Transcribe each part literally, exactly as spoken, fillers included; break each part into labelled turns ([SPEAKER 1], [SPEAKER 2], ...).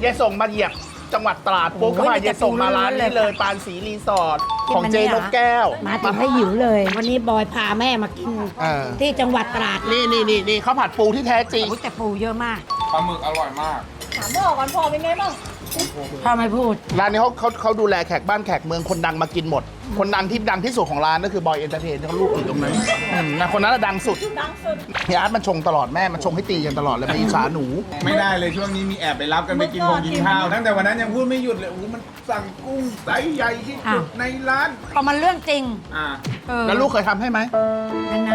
[SPEAKER 1] ยายส่งมาเหยียบจังหวัดตราดปุ๊บก็มายายส่งมาร้านนี้เลยปานศรีรีสอร์ทของเจนกแก้ว
[SPEAKER 2] มาถึงให้หิวเลย วันนี้บอยพาแม่มากินที่จังหวัดตราด
[SPEAKER 1] นี่นี่นี่นี่ข้าวผัดปูที่แท้จริง
[SPEAKER 2] แต่ปูเยอะมาก
[SPEAKER 3] ปลาหมึกอร่อยมาก
[SPEAKER 4] ถามพ่อก่อนพ่อเป็นไงบ้าง
[SPEAKER 2] พ่อไม่พูด
[SPEAKER 1] ร้านนี้เขาเขาเขาดูแลแขกบ้านแขกเมืองคนดังมากินหมด คนดังที่ดังที่สุดของร้านก็คือบอยเอนเตอร์เทนเขาลูกอยู่ตรงนั้นอืมนะคนนั้นดังสุด
[SPEAKER 4] ดังสุด
[SPEAKER 1] เฮียอาร์ตมันชงตลอดแม่มันชงให้ตีกันตลอดเลยมาอิจฉาหนู
[SPEAKER 3] ไม่ได้เลยช่วงนี้มีแอบไปรับกันไปกินคงกินข้าวตั้งแต่วันนั้นยังพูดไม่หยุดเลยโอ้โหมันสั่งกุ้งไซส์ใหญ่ที่สุด
[SPEAKER 2] อ้าว
[SPEAKER 3] ในร้าน
[SPEAKER 2] พอมันเรื่องจริง
[SPEAKER 3] อ่า
[SPEAKER 2] เออ
[SPEAKER 1] แล้วลูกเคยทำให้ไหม
[SPEAKER 2] นาน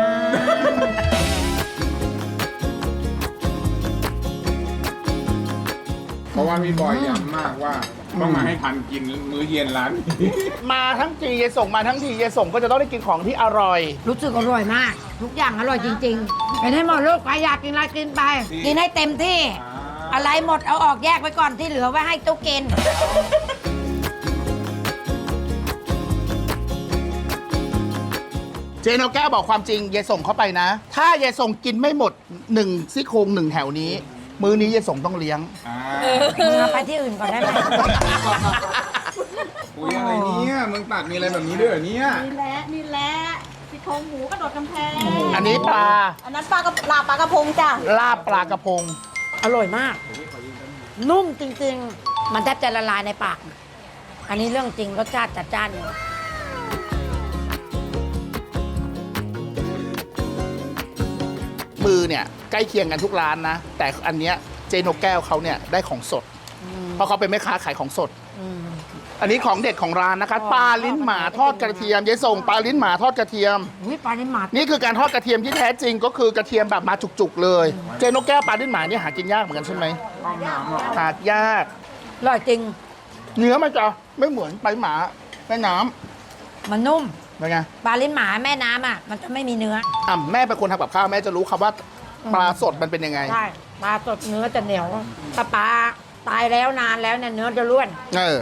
[SPEAKER 3] เพราะว่าพี่บอยย้ำมากว่าต้องมาให้ทันกินมื้อเย็นร้าน
[SPEAKER 1] มาทั้งทีเยส่งมาทั้งทีเยส่งก็จะต้องได้กินของที่อร่อย
[SPEAKER 2] ๆรู้สึกอร่อยมาก ทุกอย่างอร่อยจริงๆเป็นให้หมดลูกใครอยากกินอะไรกินไป กินให้เต็มที่ อะไรหมดเอาออกแยกไว้ก่อนที่เหลือไว้ให้ตุ๊กกิน
[SPEAKER 1] เจนเอาแก้วบอกความจริงเยส่งเข้าไปนะ ถ้าเยส่งกินไม่หมดหนึ่งซี่โครงหนึ่งแถวนี้ มื้อนี้เยส่งต้องเลี้ยง
[SPEAKER 3] อ่า
[SPEAKER 2] มึงเอาไปที่อื่นก่อนได้ไหม
[SPEAKER 3] อุ้ยอะไรเนี่ยมึงตัดมีอะไรแบบนี้ด้วยเหรอเนี่ย
[SPEAKER 4] นี่แหละนี่แหละซี่โครงหมูกระโดดกำแพง
[SPEAKER 1] อันนี้ปลา
[SPEAKER 4] อันนั้นปลากระลาปลากระพงจ้ะ
[SPEAKER 1] ลาบปลากระพง
[SPEAKER 2] อร่อยมาก นุ่มจริงๆ มันแทบจะละลายในปาก อันนี้เรื่องจริงรสชาติจัดจ้านอยู่
[SPEAKER 1] มือเนี่ยใกล้เคียงกันทุกร้านนะ แต่อันเนี้ยเจนกแก้วเขาเนี่ยได้ของสด เพราะเขาเป็นแม่ค้าขายของสด
[SPEAKER 2] อืม
[SPEAKER 1] อันนี้ของเด็ดของร้านนะคะปลาลิ้นหมาทอดกระเทียมเยส่งปลาลิ้นหมาทอดกระเทียม
[SPEAKER 2] อุ้ยปลาลิ้นหมา
[SPEAKER 1] นี่คือการทอดกระเทียมที่แท้จริงก็คือกระเทียมแบบมาจุกๆเลย เจนกแก้วปลาลิ้นหมาเนี่ยหากินยากเหมือนกันใช่ไหม
[SPEAKER 3] ห้องน้ำอ่ะ
[SPEAKER 1] หายาก
[SPEAKER 2] อร่อยจริง
[SPEAKER 1] เนื้อมันจะไม่เหมือนปลาลิ้นหมาแม่น้
[SPEAKER 2] มันนุ่ม
[SPEAKER 1] ำเป็นไง
[SPEAKER 2] ปลาลิ้นหมาแม่น้ำอ่ะ มันจะไม่มีเนื้อ
[SPEAKER 1] อ่ะแม่เป็นคนทำกับข้าวแม่จะรู้ครับว่าปลาสดมันเป็นยังไง
[SPEAKER 2] ใช่ ปลาสดเนื้อจะเหนียว ถ้าปลาตายแล้วนานแล้วเนี่ยเนื้อจะร่วน
[SPEAKER 1] เออ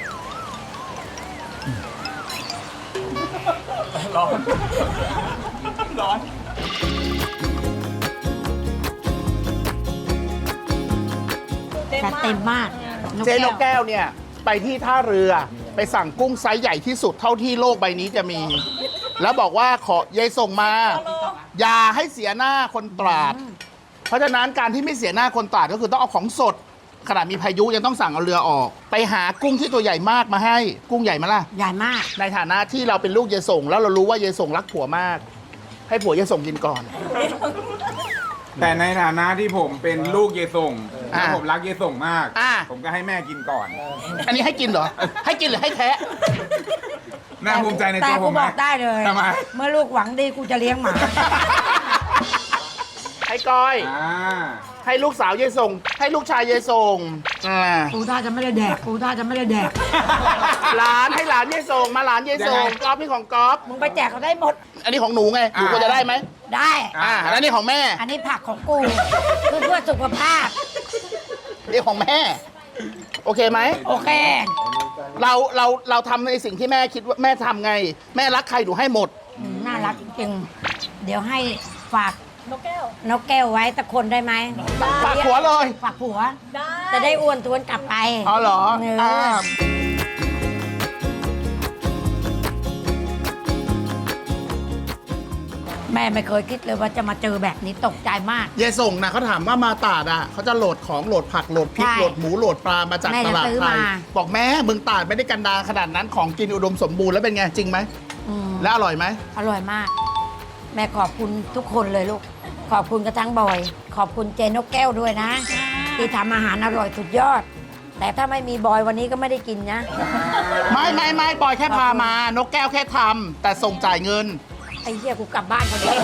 [SPEAKER 4] เต็ม
[SPEAKER 2] แต่
[SPEAKER 4] มาก
[SPEAKER 2] เต็มมาก
[SPEAKER 1] เจนกแก้วเนี่ยไปที่ท่าเรือไปสั่งกุ้งไซส์ใหญ่ที่สุดเท่าที่โลกใบนี้จะมี แล้วบอกว่าขอยายส่งมา อย่าให้เสียหน้าคนตราด เพราะฉะนั้นการที่ไม่เสียหน้าคนตราดก็คือต้องเอาของสด ขนาดมีพายุยังต้องสั่งเอาเรือออก ไปหากุ้งที่ตัวใหญ่มากมาให้ กุ้งใหญ่มาล่ะ
[SPEAKER 2] ใหญ่มาก
[SPEAKER 1] ในฐานะที่เราเป็นลูกเยส่ง แล้วเรารู้ว่าเยส่งรักผัวมาก ให้ผัวเยส่งกินก่อน
[SPEAKER 3] แต่ในฐานะที่ผมเป็นลูกเยส่ง
[SPEAKER 1] อ่า
[SPEAKER 3] และผมรักเยส่งมาก
[SPEAKER 1] อ่า
[SPEAKER 3] ผมก็ให้แม่กินก่อน
[SPEAKER 1] อันนี้ให้กินเหรอ ให้กินหรือให้แทะ
[SPEAKER 3] น่าภูมิใจใน
[SPEAKER 2] แต่
[SPEAKER 3] ตัวผ
[SPEAKER 2] กู
[SPEAKER 3] มไหม
[SPEAKER 2] บอกได้เลย
[SPEAKER 3] ทำไม
[SPEAKER 2] เมื่อลูกหวังดีกูจะเลี้ยงหมา
[SPEAKER 1] ให้ก้อย
[SPEAKER 3] อ่า
[SPEAKER 1] ให้ลูกสาวเยส่ง ให้ลูกชายเยส่งอ่า
[SPEAKER 2] กูท่าจะไม่ได้แดก กูท่าจะไม่ได้แดก
[SPEAKER 1] หลานให้หลานเยส่ง มาหลานเยส่ง
[SPEAKER 3] ยังไง
[SPEAKER 1] ก๊อฟนี่ของก๊อฟ
[SPEAKER 2] มึงไปแจกเขาได้หมด
[SPEAKER 1] อันนี้ของหนูไง หนูควรจะได้ไหม
[SPEAKER 2] ได้
[SPEAKER 1] อ่าแล้วนี่ของแม่
[SPEAKER 2] อันนี้ผักของกูเพื่อเพื่อสุขภาพ
[SPEAKER 1] นี่ของแม่ โอเคไหม
[SPEAKER 2] โอเค
[SPEAKER 1] เราเราเราทำในสิ่งที่แม่คิดว่าแม่ทำไง แม่รักใครหนูให้หมด
[SPEAKER 2] อืมน่ารักจริงๆ เดี๋ยวให้ฝาก
[SPEAKER 4] นกแก้ว
[SPEAKER 2] นกแก้วไว้ตะคนได้ไหม
[SPEAKER 1] ฝากผัวเลย
[SPEAKER 2] ฝากผัว
[SPEAKER 4] ได้
[SPEAKER 2] จะได้อ้วนทวนกลับไป
[SPEAKER 1] อ๋อเหรอ
[SPEAKER 2] เออ
[SPEAKER 1] อ่า
[SPEAKER 2] แม่ไม่เคยคิดเลยว่าจะมาเจอแบบนี้ตกใจมาก
[SPEAKER 1] เยส่งนะเขาถามว่ามาตราดอ่ะเขาจะโหลดของโหลดผักโหลดพริก
[SPEAKER 2] ใช่
[SPEAKER 1] โหลดหมูโหลดปลามาจาก
[SPEAKER 2] แม่
[SPEAKER 1] ต
[SPEAKER 2] จะ
[SPEAKER 1] ลาด
[SPEAKER 2] ซื้อ
[SPEAKER 1] ไทย
[SPEAKER 2] มา
[SPEAKER 1] บอกแม่มึงตราดไม่ได้กันดารขนาดนั้นของกินอุดมสมบูรณ์แล้วเป็นไงจริงไหม
[SPEAKER 2] อืม
[SPEAKER 1] แล้วอร่อยไหม
[SPEAKER 2] อร่อยมาก แม่ขอบคุณทุกคนเลยลูก ขอบคุณกระทั่งบอย ขอบคุณเจนกแก้วด้วยนะ ที่ทำอาหารอร่อยสุดยอด แต่ถ้าไม่มีบอยวันนี้ก็ไม่ได้กินนะ
[SPEAKER 1] ไม่ไม่ไม่บอยแค่พามานกแก้วแค่ทำแต่ส่งจ่ายเงิน
[SPEAKER 2] ไอ้เหี้ยกูกลับบ้านคนเดียว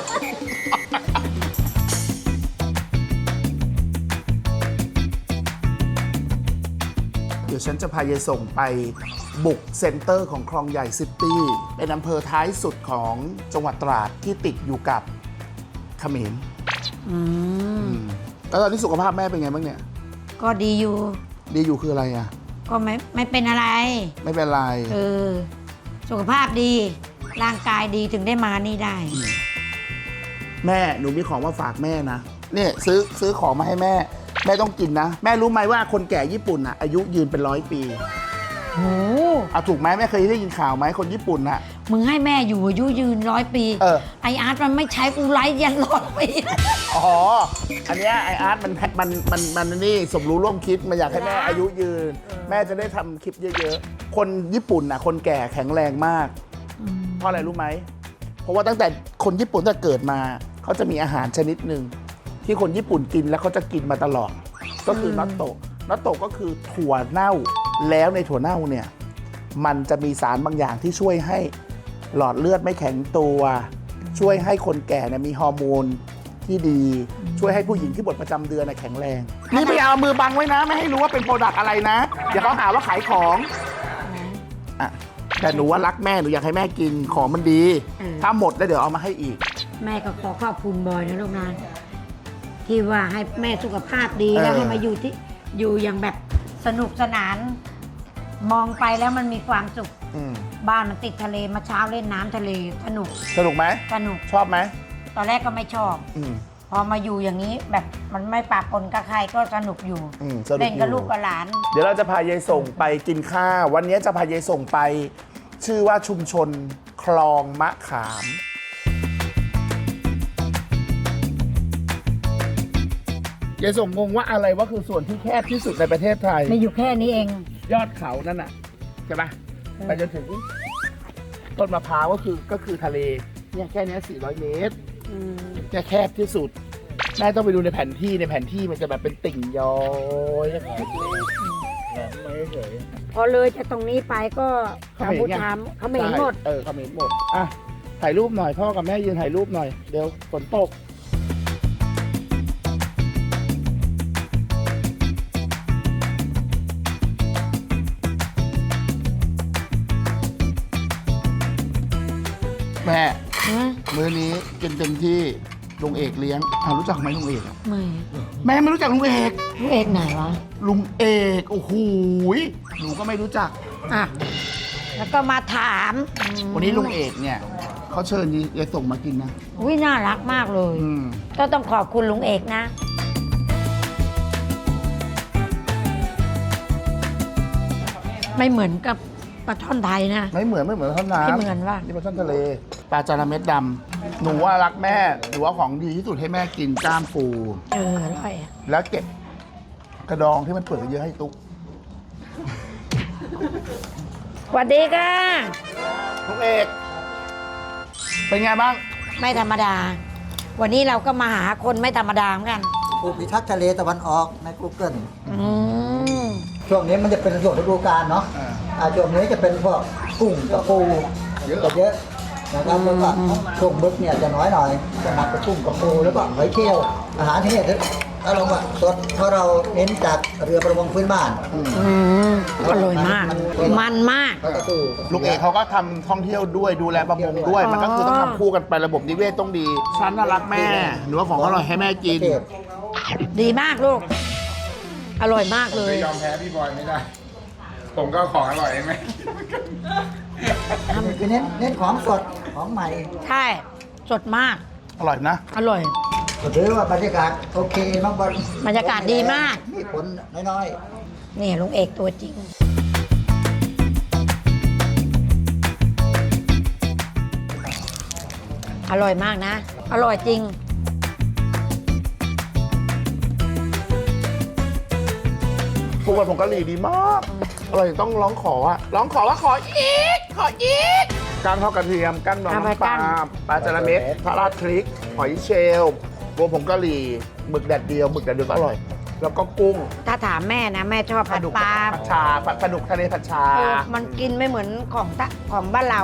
[SPEAKER 1] เดี๋ยวฉันจะพายายส่งไปบุกเซ็นเตอร์ของคลองใหญ่ซิตี้เป็นอำเภอท้ายสุดของจังหวัดตราดที่ติดอยู่กับเขมร
[SPEAKER 2] อืม
[SPEAKER 1] แล้วตอนนี้สุขภาพแม่เป็นไงบ้างเนี่ย
[SPEAKER 2] ก็ดีอยู่
[SPEAKER 1] ดีอยู่คืออะไรอ่ะ
[SPEAKER 2] ก็ไม่ไม่เป็นอะไร
[SPEAKER 1] ไม่เป็นไร
[SPEAKER 2] เออ สุขภาพดี ร่างกายดีถึงได้มานี่ได้
[SPEAKER 1] แม่หนูมีของมาฝากแม่นะเนี่ยซื้อซื้อของมาให้แม่แม่ต้องกินนะ แม่รู้ไหมว่าคนแก่ญี่ปุ่นอ่ะอายุยืนเป็นร้อยปี
[SPEAKER 2] โอ้
[SPEAKER 1] เอาถูกไหมแม่เคยได้ยินข่าวไหมคนญี่ปุ่นอ่ะ
[SPEAKER 2] มึงให้แม่อยู่อายุยืนร้อยปี
[SPEAKER 1] เออ
[SPEAKER 2] ไออาร์ตมันไม่ใช้กูไลฟ์ยันร้อยปี
[SPEAKER 1] อ๋อ อันเนี้ยไออาร์ตมันมันมันมันนี่สมรู้ร่วมคิดมันอยากให้แม่อายุยืน แม่จะได้ทำคลิปเยอะๆ คนญี่ปุ่นน่ะคนแก่แข็งแรงมาก เพราะอะไรรู้ไหม เพราะว่าตั้งแต่คนญี่ปุ่นตั้งแต่เกิดมาเขาจะมีอาหารชนิดหนึ่งที่คนญี่ปุ่นกินแล้วเขาจะกินมาตลอด ก็คือนัตโตะนัตโตะก็คือถั่วเน่าแล้วในถั่วเน่าเนี่ยมันจะมีสารบางอย่างที่ช่วยให้หลอดเลือดไม่แข็งตัว ช่วยให้คนแก่เนี่ยมีฮอร์โมนที่ดี ช่วยให้ผู้หญิงที่บทประจำเดือนน่ะแข็งแรงนี่ไม่เอามือบังไว้นะ ไม่ให้รู้ว่าเป็นโปรดักต์อะไรนะเดี๋ยวเขาหาว่าขายของอ่ะแต่หนูว่ารักแม่หนูอยากให้แม่กินของมันดี ถ้าหมดแล้วเดี๋ยวเอามาให้อีก
[SPEAKER 2] แม่ก็ขอขอบคุณบอยนะลูกนะที่ว่าให้แม่สุขภาพดี
[SPEAKER 1] เออ
[SPEAKER 2] แล้วให้มาอยู่ที่อยู่อย่างแบบสนุกสนาน มองไปแล้วมันมีความสุข
[SPEAKER 1] อืม
[SPEAKER 2] บ้านมันติดทะเลมาเช้าเล่นน้ำทะเลสนุก
[SPEAKER 1] สนุกไหม
[SPEAKER 2] สนุก
[SPEAKER 1] ชอบไหม
[SPEAKER 2] ตอนแรกก็ไม่ชอบ
[SPEAKER 1] อืม
[SPEAKER 2] พอมาอยู่อย่างนี้แบบมันไม่ปะปนกับใครก็สนุกอยู่
[SPEAKER 1] อืมสนุก
[SPEAKER 2] เล่นกับ
[SPEAKER 1] อยู่
[SPEAKER 2] ลูกกับหลาน
[SPEAKER 1] เดี๋ยวเราจะพายายส่งไปกินข้าว วันนี้จะพายายส่งไป ชื่อว่าชุมชนคลองมะขาม ยายส่งงงว่าอะไรว่าคือส่วนที่แคบที่สุดในประเทศไทย
[SPEAKER 2] ไม่อยู่แค่นี้เอง
[SPEAKER 1] ยอดเขานั่นน่ะใช่ปะไปจนถึงต้นมะพร้าวก็คือก็คือทะเลเนี่ยแค่เนี้ยสี่ร้อยเมตรเนี่ยแคบที่สุดแม่ต้องไปดูในแผนที่ในแผนที่มันจะแบบเป็นติ่งย้อยเล็กๆแบบไม่เฉย
[SPEAKER 2] พอเลยจากตรงนี้ไปก็
[SPEAKER 1] เขา
[SPEAKER 2] กัม
[SPEAKER 1] เห็น
[SPEAKER 2] พู
[SPEAKER 1] ไง
[SPEAKER 2] ชาเขาไม่เห็นหมด
[SPEAKER 1] เออเขาเห็นหมดอ่ะถ่ายรูปหน่อยพ่อกับแม่ยืนถ่ายรูปหน่อยเดี๋ยวฝนตกแม่ มื้อนี้กินเต็มที่ลุงเอกเลี้ยงอ่ารู้จักไหมลุงเอกอะ
[SPEAKER 2] ไม่
[SPEAKER 1] แม่ไม่รู้จักลุงเอก
[SPEAKER 2] ลูกเอกไหนวะ
[SPEAKER 1] ลุงเอกโอ้โหยหนูก็ไม่รู้จัก
[SPEAKER 2] อ่ะ แล้วก็มาถาม
[SPEAKER 1] วันนี้ลุงเอกเนี่ยเขาเชิญยายส่งมากินนะ
[SPEAKER 2] อุ้ยน่ารักมากเลย
[SPEAKER 1] อืม
[SPEAKER 2] ก็ต้องขอบคุณลุงเอกนะ ไม่เหมือนกับปลาช่อนไทยนะ
[SPEAKER 1] ไม่เหมือนไม่เหมือนท่อนน้ำ
[SPEAKER 2] ไม่เหมือนว่ะ
[SPEAKER 1] นี่ปลาช่อนทะเลปลาจาระเม็ดดำหนูว่ารักแม่หนูว่าของดีที่สุดให้แม่กินกล้ามปู
[SPEAKER 2] เอออร่อยอะ
[SPEAKER 1] แล้วเก็บกระดองที่มันเปลือกเยอะให้ตุ๊ก
[SPEAKER 2] สวัสดีค่ะ
[SPEAKER 1] ลุงเอกเป็นไงบ้าง
[SPEAKER 2] ไม่ธรรมดา วันนี้เราก็มาหาคนไม่ธรรมดาเหมือนกัน
[SPEAKER 5] ผู้พิทักษ์ทะเลตะวันออกใน Google
[SPEAKER 2] อืม
[SPEAKER 5] ช่วงนี้มันจะเป็นช่วงฤดูกาลเนาะ
[SPEAKER 1] อ่า
[SPEAKER 5] อ่าช่วงนี้จะเป็นพวกกุ้งกับปู
[SPEAKER 1] เยอะ
[SPEAKER 5] จะเยอะนะครับแล้วก็ช่วงมึกเนี่ยจะน้อยหน่อยจะหนักกับกุ้งกับปูแล้วก็หอยเชลล์อาหารที่เนี่ยถ้าลงว่าสดเพราะเราเน้นจากเรือประมงพื้นบ้าน
[SPEAKER 2] อืมอร่อยมาก มันมาก
[SPEAKER 5] แล้วก็สู้
[SPEAKER 1] ลุงเอกเขาก็ทำท่องเที่ยวด้วยดูแลประมงด้วย มันก็คือต้องทำคู่กันไประบบนิเวศต้องดีฉันน่ารักแม่หนูว่าของอร่อยให้แม่กิน
[SPEAKER 5] ประเทศ
[SPEAKER 2] ดีมากลูก อร่อยมากเลย
[SPEAKER 3] ไม่ยอมแพ้พี่บอยไม่ได้ ผมก็ของอร่อยเองไหม
[SPEAKER 5] คือเน้นเน้นของสดของใหม่
[SPEAKER 2] ใช่ สดมาก
[SPEAKER 1] อร่อยนะ
[SPEAKER 2] อร่อย
[SPEAKER 5] ก็ถือว่าบรรยากาศโอเคมาก
[SPEAKER 2] บรรยากาศดีมาก
[SPEAKER 5] มีผลน้อย
[SPEAKER 2] นี่ลุงเอกตัวจริง อร่อยมากนะ อร่อยจริง
[SPEAKER 1] พวกมันผงกะหรี่ดีมาก อร่อยต้องร้องขออะร้องขอว่าขออีก ขออีกกั้งทอดกระเทียมกั้งดอง
[SPEAKER 2] เอาไป
[SPEAKER 1] น้ำปลา
[SPEAKER 2] กั้ง
[SPEAKER 1] ปลาจาระเม็ดพาราดพริก หอยเชลล์รวมผงกะหรี่หมึกแดดเดียวหมึกแดดเดียวก็อร่อย แล้วก็กุ้ง
[SPEAKER 2] ถ้าถามแม่นะ แม่ชอบ
[SPEAKER 1] ป
[SPEAKER 2] ผั
[SPEAKER 1] ลา
[SPEAKER 2] ด
[SPEAKER 1] ดุก
[SPEAKER 2] ปลา
[SPEAKER 1] ผัดชาปลาปลาดุกทะเลผัดชา
[SPEAKER 2] เออมันกินไม่เหมือนของตะของบ้านเรา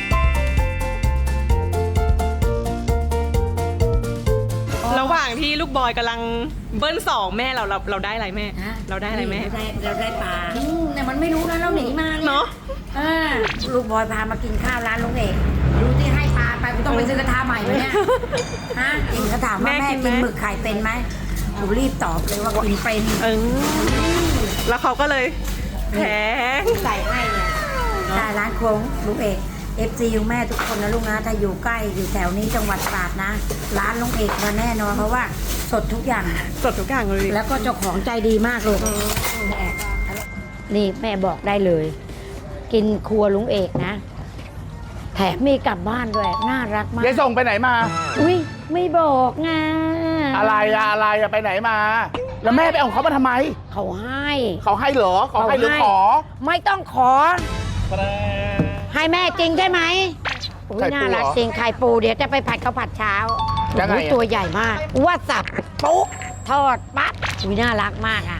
[SPEAKER 6] ระหว่างที่ลูกบอยกำลังเบิ้ลสองแม่เราเราเราได้อะไรแม่
[SPEAKER 2] ฮะ
[SPEAKER 6] เราได้อะไรแม่
[SPEAKER 2] เราได้เราได้ปลาอืมแต่มันไม่รู้นะเราหนีมาเนี่ย
[SPEAKER 6] เนาะ
[SPEAKER 2] อ่าลูกบอยพามากินข้าวร้านลุงเอกดูที่ให้ปลาไปกูต้องไปซื้อกระทะใหม่ไหมเนี่ยฮะเองก็ถามว่า
[SPEAKER 6] แม่
[SPEAKER 2] แม่
[SPEAKER 6] กินไหม
[SPEAKER 2] กินหมึกไข่เป็นไหมหนูรีบตอบเลยว่ากินเป็น
[SPEAKER 6] เออแล้วเขาก็เลยแพง
[SPEAKER 2] ใส่ให้เนี่ยได้ร้านโค้งลุงเอกเอฟซีแม่ทุกคนนะลูกนะถ้าอยู่ใกล้อยู่แถวนี้จังหวัดตราดนะ ร้านลุงเอกมาแน่นอนเพราะว่าสดทุกอย่าง
[SPEAKER 6] สดทุกอย่างเลย
[SPEAKER 2] แล้วก็เจ้าของใจดีมากลูกแม่นี่แม่บอกได้เลย กินครัวลุงเอกนะ แถมมีกลับบ้านด้วย น่ารักมาก
[SPEAKER 1] ยายส่งไปไหนมา
[SPEAKER 2] อุ้ยไม่บอกไง
[SPEAKER 1] อะไรอะอะไรอะไปไหนมา แล้วแม่ไปเอาของเขามาทำไม
[SPEAKER 2] เขาให้
[SPEAKER 1] เขาให้เหรอเขาให้หรือขอ
[SPEAKER 2] ไม่ต้องขอ ให้แม่จริงใช่ไหมอุ้ย
[SPEAKER 1] ไข่ปู
[SPEAKER 2] น่ารัก
[SPEAKER 1] เหรอ
[SPEAKER 2] จริงไข่ปูเดี๋ยวจะไปผัดข้าวผัดเช้า
[SPEAKER 1] ยังไง
[SPEAKER 2] โอ้โห
[SPEAKER 1] อะ
[SPEAKER 2] ตัวใหญ่มากว่าสับปุ๊บทอดปั๊บอุ้ยน่ารักมากอ่ะ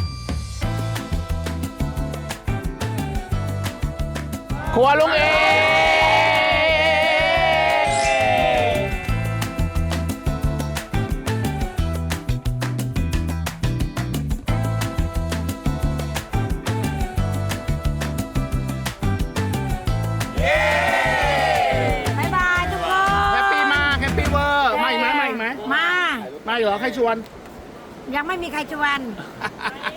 [SPEAKER 1] ครัวลุงเอก
[SPEAKER 2] บ๊ายบายทุกคน
[SPEAKER 1] แฮปปี้มากแฮปปี้เวอร์มาอีกไหมมาอีกไหม
[SPEAKER 2] มา
[SPEAKER 1] มาอีกเหรอใครชวน
[SPEAKER 2] ยังไม่มีใครชวน